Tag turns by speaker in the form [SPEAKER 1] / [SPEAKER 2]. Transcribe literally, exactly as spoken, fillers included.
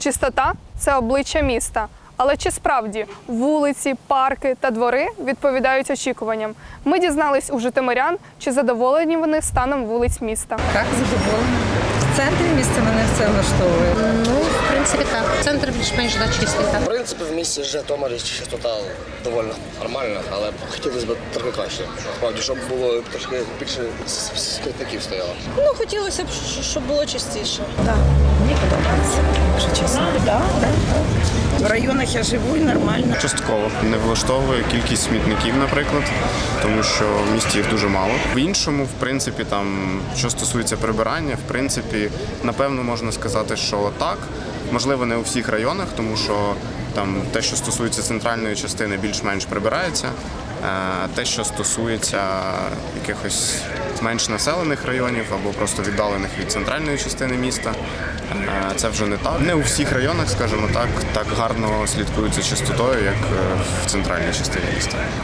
[SPEAKER 1] Чистота – це обличчя міста. Але чи справді вулиці, парки та двори відповідають очікуванням? Ми дізнались у житомирян, чи задоволені вони станом вулиць міста.
[SPEAKER 2] Так, задоволена. В центрі міста мене все влаштовує.
[SPEAKER 3] Ну, в принципі, так. Центр більш-менш да, чистий. Так.
[SPEAKER 4] В принципі, в місті Житомирі чистота доволі нормальна, але хотілося б трохи краще. Справді, щоб було трошки більше смітників стояло.
[SPEAKER 5] Ну, хотілося б, щоб було частіше.
[SPEAKER 2] Так, мені подобається, якщо чесно. Да, да. В районах я живу і нормально.
[SPEAKER 6] Частково не влаштовує кількість смітників, наприклад, тому що в місті їх дуже мало. В іншому, в принципі, там, що стосується прибирання, в принципі, напевно, можна сказати, що так. Можливо, не у всіх районах, тому що там те, що стосується центральної частини, більш-менш прибирається. Те, що стосується якихось менш населених районів або просто віддалених від центральної частини міста, це вже не так. Не у всіх районах, скажімо так, так гарно слідкують за чистотою, як в центральній частині міста.